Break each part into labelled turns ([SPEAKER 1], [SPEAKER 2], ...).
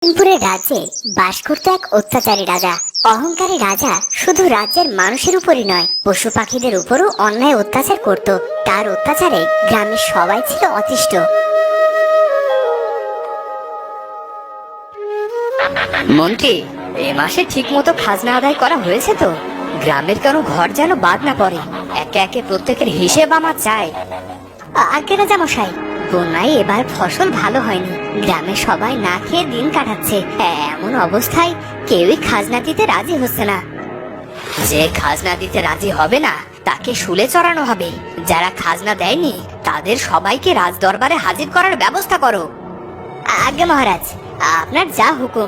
[SPEAKER 1] লক্ষ্মীপুরের রাজ্যে বাস করত এক অত্যাচারী রাজা। অহংকারী রাজা শুধু রাজ্যের মানুষের উপরই নয়, পশু পাখিদের উপরও অন্যায় অত্যাচার করত। তার অত্যাচারে গ্রামের সবাই ছিল অতিষ্ঠ।
[SPEAKER 2] মন্ত্রী, এ মাসে ঠিক মতো খাজনা আদায় করা হয়েছে তো? গ্রামের কোনো ঘর যেন বাদ না পড়ে। একে একে প্রত্যেকের হিসেব আমার চাই।
[SPEAKER 1] আগে রাজা মশাই, বন্যায় এবার ফসল ভালো হয়নি, গ্রামের সবাই না খেয়ে দিন কাটাচ্ছে। এমন অবস্থায় কেউই খাজনা দিতে রাজি হচ্ছে না।
[SPEAKER 2] যে খাজনা দিতে রাজি হবে না তাকে শুলে চড়ানো হবে। যারা খাজনা দেয়নি তাদের সবাইকে রাজ দরবারে হাজির করার ব্যবস্থা করো।
[SPEAKER 1] আজ্ঞা মহারাজ, আপনার যা হুকুম।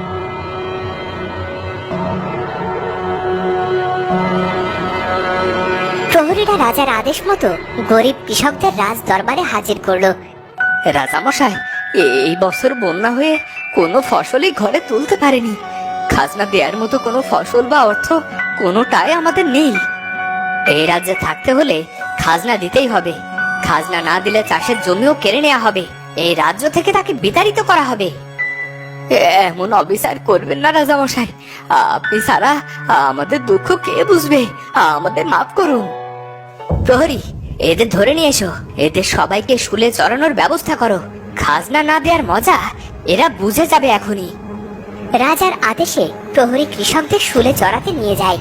[SPEAKER 1] প্রহরীরা রাজার আদেশ মতো গরিব কৃষকদের রাজ দরবারে হাজির করলো।
[SPEAKER 2] রাজামশাই, এই বছর বন্যা হয়ে কোনো ফসলই ঘরে তুলতে পারেনি। খাজনা দেওয়ার মতো কোনো ফসল বা অর্থ কোনোটাই আমাদের নেই। এই রাজ্যে থাকতে হলে খাজনা দিতেই হবে। খাজনা না দিলে চাষের জমিও কেড়ে নেওয়া হবে। এই রাজ্য থেকে তাকে বিতাড়িত করা হবে। এমন অবিচার করবেন না রাজামশাই। আপনি ছাড়া আমাদের দুঃখ কে বুঝবে? আমাদের মাফ করুন। প্রহরী, এদের ধরে নিয়ে এসো। এদের সবাইকে শুলে চড়ানোর ব্যবস্থা করো। খাজনা না দেওয়ার মজা এরা বুঝে যাবে এখনই।
[SPEAKER 1] রাজার আদেশে প্রহরী কৃষকদের শুলে চড়াতে নিয়ে যায়।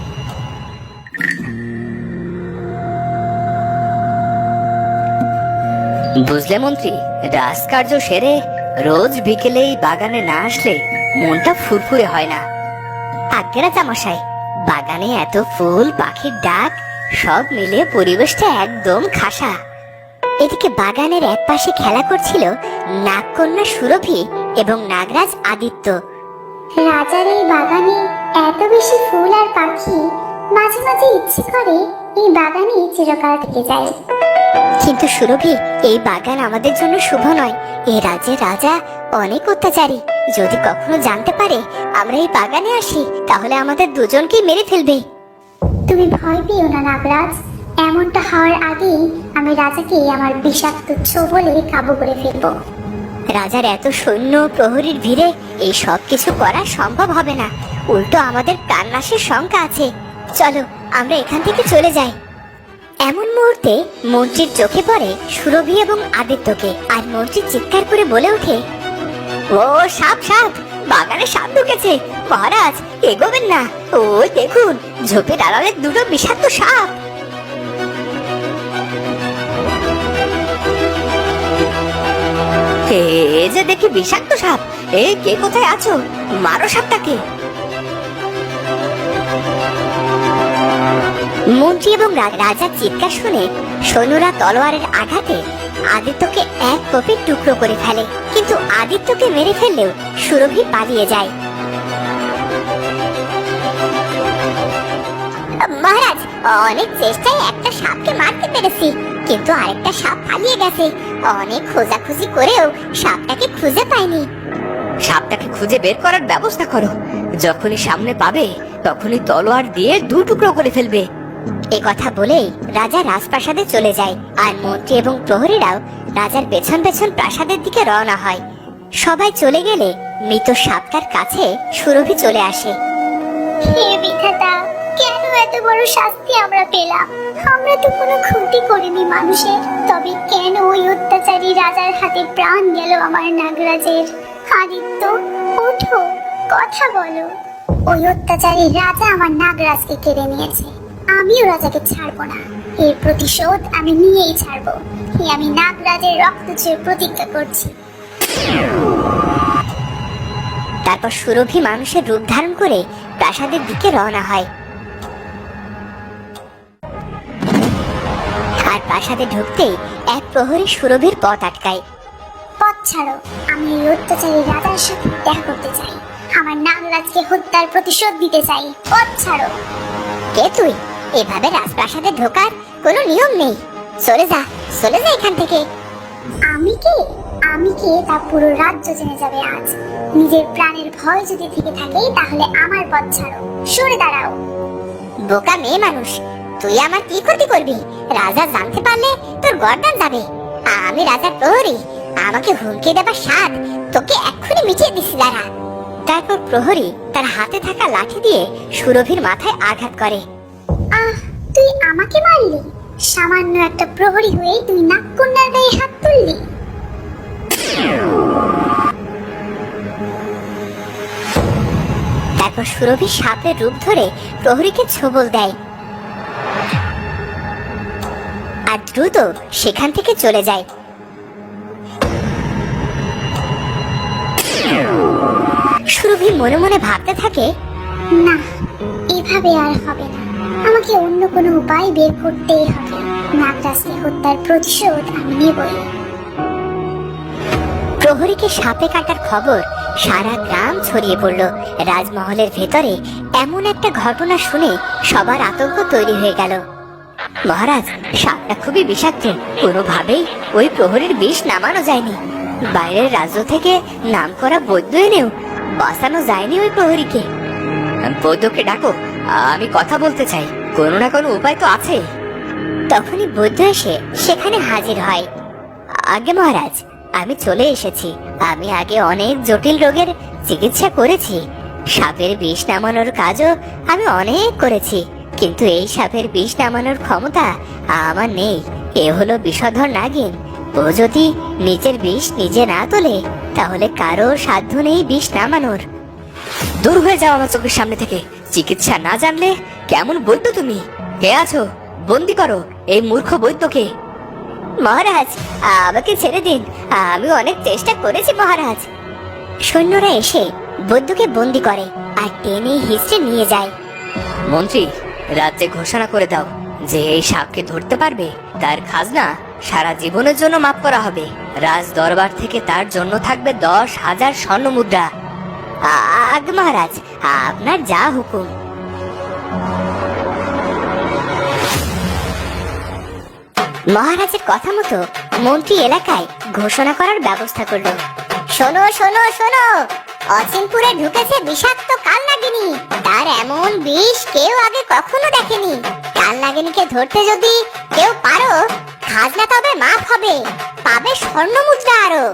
[SPEAKER 2] বুঝলে মন্ত্রী, রাজকার্য সেরে রোজ বিকেলে এই বাগানে না আসলে মনটা ফুরফুরে হয় না।
[SPEAKER 1] আজ্ঞা রাজা মশাই, বাগানে এত ফুল, পাখির ডাক, সব মিলে পরিবেশটা একদম খাসা। এদিকে বাগানের এক পাশে খেলা করছিল নাগকন্যা সুরভি এবং নাগরাজ আদিত্য।
[SPEAKER 3] রাজার এই বাগানে এত বেশি ফুল আর পাখি, মাঝে মাঝে ইচ্ছে করে এই বাগানে চিরকাল থেকে যায়।
[SPEAKER 1] কিন্তু সুরভি, এই বাগান আমাদের জন্য শুভ নয়। এই রাজ্যের রাজা অনেক অত্যাচারী। যদি কখনো জানতে পারে আমরা এই বাগানে আসি, তাহলে আমাদের দুজনকেই মেরে ফেলবে।
[SPEAKER 3] তুমি ভয় পেও না নাগরাজ, এমনটা হওয়ার আগেই আমি রাজাকে আমার বিষাক্ত ছোবলে কাবু করে ফেলবো।
[SPEAKER 1] রাজার এত সৈন্য প্রহরীর ভিড়ে এই সব কিছু করা সম্ভব হবে না। উল্টো আমাদের প্রাণনাশের শঙ্কা আছে। চলো আমরা এখান থেকে চলে যাই। এমন মুহূর্তে মন্ত্রীর চোখে পড়ে সুরভি এবং আদিত্যকে, আর মন্ত্রী চিৎকার করে বলে ওঠে,
[SPEAKER 2] ও সাপ, সাপ! বাগানে সাপ ঢুকেছে। মহারাজ, এগোবেন না। ওই দেখুন, ঝোপের আড়ালে দুটো বিষাক্ত সাপ। এ যে দেখি বিষাক্ত সাপ। কে কোথায় আছো? মারো সাপটাকে।
[SPEAKER 1] মন্ত্রী এবং রাজার চিৎকার শুনে সৈন্যরা তলোয়ারের আঘাতে আদিত্যকে এক কোপে টুকরো করে ফেলে। কিন্তু আদিত্যকে মেরে ফেললেও সুরভি পালিয়ে যায়। মহারাজ, অনেক চেষ্টায় একটা সাপকে মারতে পেরেছি, কিন্তু আরেকটা সাপ পালিয়ে গেছে। অনেক খোঁজাখুঁজি করেও সাপটাকে খুঁজে পাইনি।
[SPEAKER 2] সাপটাকে খুঁজে বের করার ব্যবস্থা করো। যখনই সামনে পাবে তখনই তলোয়ার দিয়ে দু টুকরো করে ফেলবে।
[SPEAKER 1] এ কথা বলেই রাজা রাজপ্রাসাদে চলে যায়, আর মন্ত্রী এবং প্রহরীরাও রাজার পেছন পেছন প্রাসাদের দিকে রওনা হয়। সবাই চলে গেলে মৃত সাপটার কাছে সুরভি চলে আসে।
[SPEAKER 3] হে বিধাতা, কেন এত বড় শাস্তি আমরা পেলাম? আমরা তো কোনো ক্ষতি করিনি মানুষের, তবে কেন ওই অত্যাচারী রাজার হাতে প্রাণ গেল আমার নাগরাজের? আদিত্য, ওঠো, কথা বলো। ওই অত্যাচারী রাজা আমার নাগরাজকে কেড়ে নিয়েছে। আমিও রাজাকে ছাড়বো না। এর প্রতিশোধ আমি নিয়েই ছাড়বো। আমি নাগরাজের রক্ত ছুঁয়ে প্রতিজ্ঞা করছি।
[SPEAKER 1] তারপর সুরভি মানুষের রূপ ধারণ করে প্রাসাদের দিকে রওনা হয়। আর প্রাসাদে ঢুকতেই এক প্রহরী সুরভির পথ আটকায়।
[SPEAKER 3] পথ ছাড়ো, আমি এই অত্যাচারী রাজার সাথে দেখা করতে চাই। আমার নাগরাজকে হত্যার প্রতিশোধ দিতে চাই। পথ ছাড়ো।
[SPEAKER 1] কে তুই? এভাবে রাজপ্রাসাদে ঢোকার কোনো নিয়ম নেই। চলে যা, চলে যা এখান থেকে।
[SPEAKER 3] আমি কে? আমি কে তা পুরো রাজ্য জেনে যাবে আজ। নিজের প্রাণের ভয় যদি থেকে থাকে তাহলে আমার পথ ছাড়ো, সরে দাঁড়াও।
[SPEAKER 1] বোকা মেয়ে মানুষ, তুই আমার কি ক্ষতি করবি? রাজা জানতে পারলে তোর গর্দান যাবে। আমি রাজার প্রহরী, আমাকে হুমকি দেবার স্বাদ তোকে এক্ষুনি মিটিয়ে দিচ্ছি। দাঁড়া। তারপর প্রহরী তার হাতে থাকা লাঠি দিয়ে সুরভির মাথায় আঘাত করে।
[SPEAKER 3] আহ, তুই আমাকে মারলি? সামান্য একটা প্রহরী হয়ে তুই নাগকন্যার গায়ে হাত তুললি?
[SPEAKER 1] তারপর সুরভি সাপের রূপ ধরে প্রহরীকে ছোবল দেয় আর দ্রুত সেখান থেকে চলে যায়। সুরভি মনে মনে ভাবতে থাকে,
[SPEAKER 3] না, এভাবে আর হবে না। আমাকে অন্য কোনো উপায় বের করতেই হবে। নাগরাজকে হত্যার প্রতিশোধ আমি নেবই।
[SPEAKER 1] প্রহরীকে সাপে কাটার খবর সারা গ্রাম ছড়িয়ে পড়ল। রাজমহলের ভেতরে এমন একটা ঘটনা শুনে সবার আতঙ্ক তৈরি হয়ে গেল। মহারাজ, সাপটা খুবই বিষাক্ত, কোনোভাবেই ওই প্রহরীর বিষ নামানো যায়নি। বাইরের রাজ্য থেকে নামকরা বৈদ্য এনেও বাঁচানো যায়নি ওই প্রহরীকে।
[SPEAKER 2] বৈদ্যকে ডাকো, আমি কথা বলতে চাই। কোনো না কোনো উপায় তো আছে।
[SPEAKER 1] তখনই বৈদ্য এসে সেখানে হাজির হয়। আগে মহারাজ, আমি চলে এসেছি। আমি আগে অনেক জটিল রোগের চিকিৎসা করেছি। সাপের বিষ নামানোর কাজও আমি অনেক করেছি, কিন্তু এই সাপের বিষ নামানোর ক্ষমতা আমার নেই। এ হলো বিষধর নাগিন। ও যদি নিজের বিষ নিজে না তোলে তাহলে কারো সাধ্য নেই বিষ নামানোর।
[SPEAKER 2] দূর হয়ে যাও আমার চোখের সামনে থেকে। চিকিৎসা না জানলে কেমন বৈদ্য তুমি? কে আছো? বন্দি করো এই মূর্খ বৈদ্যকে।
[SPEAKER 1] মহারাজ, আমাকে ছেড়ে দিন, আমি অনেক চেষ্টা করেছি মহারাজ। সৈন্যরা এসে বৈদ্যকে বন্দি করে আর টেনে হিঁচড়ে নিয়ে যায়।
[SPEAKER 2] মন্ত্রী, রাজ্যে ঘোষণা করে দাও যে এই সাপকে ধরতে পারবে তার খাজনা সারা জীবনের জন্য মাফ করা হবে। রাজ দরবার থেকে তার জন্য থাকবে 10,000 স্বর্ণ মুদ্রা।
[SPEAKER 1] আগে মহারাজ, আপনার যা হুকুম। মহারাজের কথা মতো মন্ত্রী এলাকায় ঘোষণা করার ব্যবস্থা করলো। শোনো শোনো শোনো, অচিনপুরে ঢুকেছে বিষাক্ত কালনাগিনী। তার এমন বিষ কেউ আগে কখনো দেখেনি। কালনাগিনীকে ধরতে যদি কেউ পারো, খাজনা তবে মাফ হবে, পাবে স্বর্ণ মুদ্রা আরো।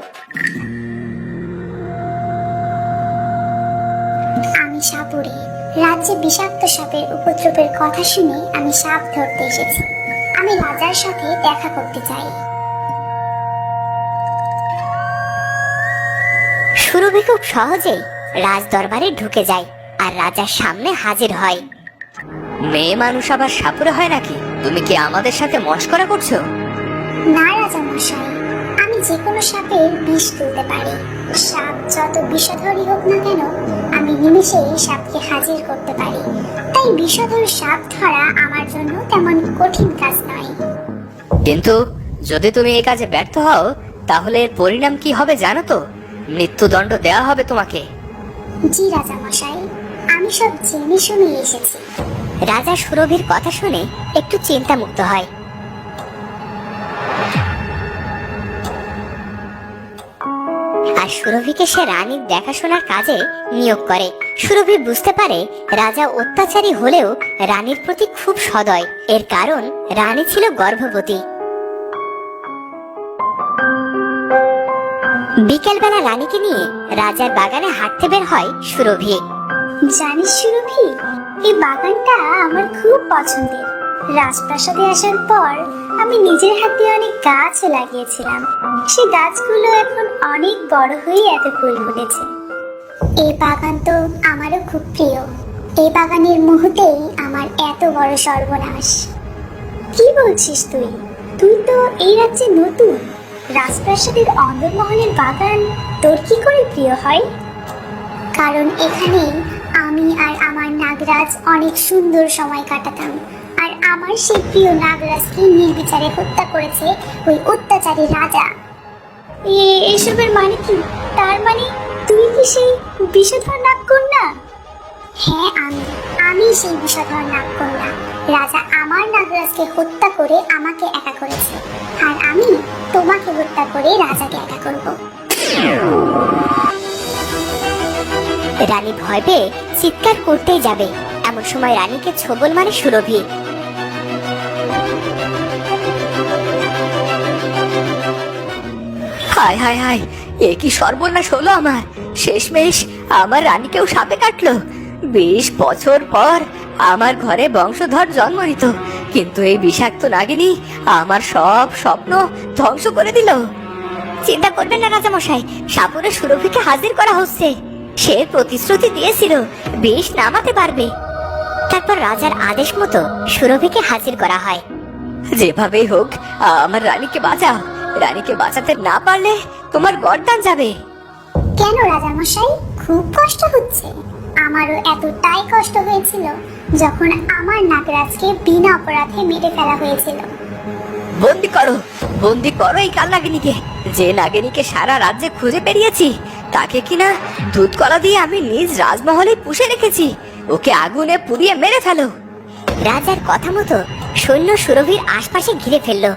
[SPEAKER 3] আমি সাপুরে রাজ্যে বিষাক্ত সাপের উপদ্রবের কথা শুনে আমি সাপ ধরতে এসেছি। আমি রাজার সাথে দেখা করতে চাই।
[SPEAKER 1] সুরভি খুব সহজেই রাজ দরবারে ঢুকে যায় আর রাজার সামনে হাজির হয়।
[SPEAKER 2] মেয়ে মানুষ আবার সাপুরে হয় নাকি? তুমি কি আমাদের সাথে মশকরা করছো?
[SPEAKER 3] না রাজা মশাই, আমি যে কোনো সাপের বিষ তুলতে পারি। সাপ যত বিষধরই হোক না কেন, আমি নিমেষে সাপকে হাজির করতে পারি। তাই বিষধর সাপ ধরা আমার জন্য তেমন কঠিন কাজ নয়।
[SPEAKER 2] কিন্তু যদি তুমি এই কাজে ব্যর্থ হও তাহলে এর পরিণাম কি হবে জানো তো? মৃত্যুদণ্ড দেওয়া হবে তোমাকে।
[SPEAKER 3] জি রাজা মশাই, আমি সব জেনে শুনে এসেছি।
[SPEAKER 1] রাজা সুরভির কথা শুনে একটু চিন্তামুক্ত হয়। আর সুরভিকে সে রানীর দেখাশোনার কাজে নিয়োগ করে। সুরভি বুঝতে পারে রাজা অত্যাচারী হলেও রানীর প্রতি খুব সদয়। এর কারণ রানী ছিল গর্ভবতী। বিকেলবেলা রানীকে নিয়ে রাজার বাগানে হাঁটতে বের হয় সুরভি।
[SPEAKER 3] জানিস সুরভি, এই বাগানটা আমার খুব পছন্দের। রাজপ্রাসাদে আসার পর আমি নিজের হাতে অনেক গাছ লাগিয়েছিলাম। সেই গাছগুলো এখন অনেক বড় হয়ে এত ফুল ফুটেছে। এই বাগান তো আমারও খুব প্রিয়। এই বাগানের মুহূর্তেই আমার এত বড় সর্বনাশ। কি বলছিস তুই? তুই তো এই রাজ্যে নতুন। রাজপ্রাসাদের অন্দরমহলের বাগান তোর কি করে প্রিয় হয়? কারণ এখানে আমি আর আমার নাগরাজ অনেক সুন্দর সময় কাটাতাম। আর আমার সেই প্রিয় নাগরাজকে নির্বিচারে হত্যা করেছে ওই অত্যাচারী রাজা। এসবের মানে কি? তার মানে তুই কি সেই বিষধর নাগকন্যা? হ্যাঁ, আমি সেই বিষধর নাগকন্যা। রাজা আমার নাগরাজকে হত্যা করে আমাকে একা করেছে, আর আমি তোমাকে হত্যা করে রাজাকে একা করব।
[SPEAKER 1] রানী ভয় পেয়ে চিৎকার করতেই যাবে, এমন সময় রানীকে ছোবল মারে সুরভি।
[SPEAKER 2] হায় হায় হায়, এ কি সর্বনাশ হলো আমার! শেষমেশ আমার রানীকেও সাপে কাটলো। 20 বছর পর আমার ঘরে বংশধর জন্ম নিত, কিন্তু এই বিষাক্ত নাগিনী আমার সব স্বপ্ন ধ্বংস করে দিল।
[SPEAKER 1] চিন্তা করবেন না রাজামশাই, সাপুরে সুরভিকে হাজির করা হচ্ছে। সে প্রতিশ্রুতি দিয়েছিল বিষ নামাতে পারবে। তারপর রাজার আদেশ মতো সুরভিকে হাজির করা হয়।
[SPEAKER 2] যেভাবেই হোক আমার রানীকে বাঁচাও। রানীকে বাঁচাতে না পারলে তোমার গর্দান যাবে।
[SPEAKER 3] কেন রাজামশাই, খুব কষ্ট হচ্ছে? আমারও এতটাই কষ্ট হয়েছিল যখন আমার নাগরাজকে বিনা অপরাধে মেরে ফেলা হয়েছিল।
[SPEAKER 2] বন্দি করো, বন্দি করো এই কাল নাগিনীকে। যে নাগিনীকে সারা রাজ্যে খুঁজে বেরিয়েছি, তাকে কিনা দুধ কলা দিয়ে আমি নিজ রাজমহলে পুষে রেখেছি। ওকে আগুনে পুড়িয়ে মেরে ফেলো।
[SPEAKER 1] রাজার কথা মতো সৈন্য সুরভির আশপাশে ঘিরে ফেললো।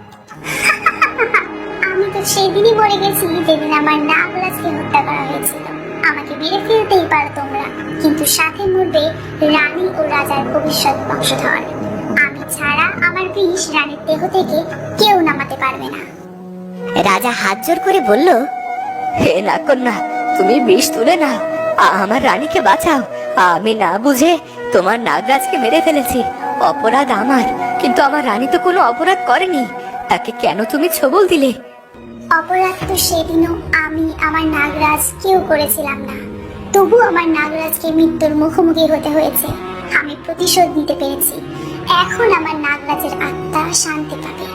[SPEAKER 3] আমি তো সেদিনই মরে গেছি যেদিন আমার নাগরাজকে হত্যা করা হয়েছিল। আমাকে মেরে ফেলতেই পারো তোমরা, কিন্তু সাথে মরবে রানী ও রাজার ভবিষ্যৎ বংশধর। আমি ছাড়া আমার বিষ রানীর দেহ থেকে কেউ নামাতে পারবে না।
[SPEAKER 1] রাজা হাত জোর করে বলল,
[SPEAKER 2] হে নাগকন্যা, তুমি বিষ তুলে নাও, আমার রানীকে বাঁচাও। আমি না বুঝে তোমার নাগরাজকে মেরে ফেলেছি। অপরাধ আমার, কিন্তু আমার রানী তো কোনো অপরাধ করেনি। তাকে কেন তুমি ছবল দিলে?
[SPEAKER 3] অপরাধ তো সেদিনও আমি আমার নাগরাজ কেউ করেছিলাম না, তবু আমার নাগরাজকে মৃত্যুর মুখোমুখি হতে হয়েছে। আমি প্রতিশোধ নিতে পেরেছি। এখন আমার নাগরাজের আত্মা শান্তি পাবে।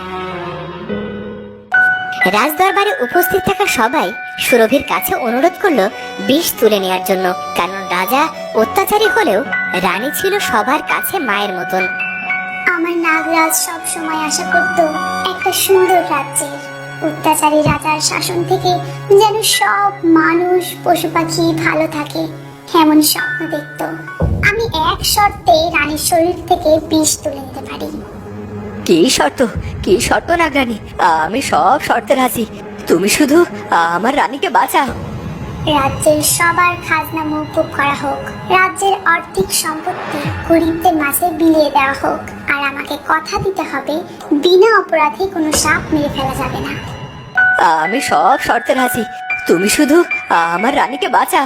[SPEAKER 1] রাজদরবারে উপস্থিত থাকা সবাই সুরভির কাছে অনুরোধ করলো বিষ তুলে নেওয়ার জন্য, কারণ রাজা অত্যাচারী হলেও রানী ছিল সবার কাছে মায়ের মতন।
[SPEAKER 3] আমার নাগরাজ সব সময় আশা করত একটা সুন্দর রাজ্যের। অত্যাচারী রাজার শাসন থেকে যেন সব মানুষ পশু পাখি ভালো থাকে, এমন স্বপ্ন দেখত। আমি এক শর্তে রানীর শরীর থেকে বিষ তুলে নিতে পারি।
[SPEAKER 2] কি শর্ত? কি শর্ত নাগরানী? আমি সব শর্তে রাজি। তুমি শুধু আমার রানীকে বাঁচাও।
[SPEAKER 3] রাজ্যের সবার খাজনা মওকুফ করা হোক, রাজ্যের আর্থিক সম্পত্তি গরিবদের মাঝে বিলিয়ে দেওয়া হোক, আর আমাকে কথা দিতে হবে বিনা অপরাধে কোনো সাপ মেরে ফেলা যাবে না।
[SPEAKER 2] আমি সব শর্তে রাজি। তুমি শুধু আমার রানীকে বাঁচাও।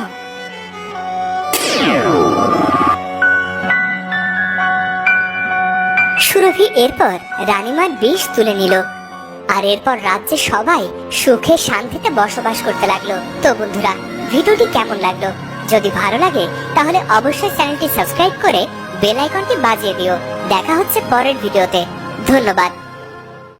[SPEAKER 1] সুরভি এরপর রানীমার বিষ তুলে নিল, আর এরপর রাজ্যে সবাই সুখে শান্তিতে বসবাস করতে লাগলো। তো বন্ধুরা, ভিডিওটি কেমন লাগলো? যদি ভালো লাগে তাহলে অবশ্যই চ্যানেলটি সাবস্ক্রাইব করে বেল আইকনটি বাজিয়ে দিও। দেখা হচ্ছে পরের ভিডিওতে। ধন্যবাদ।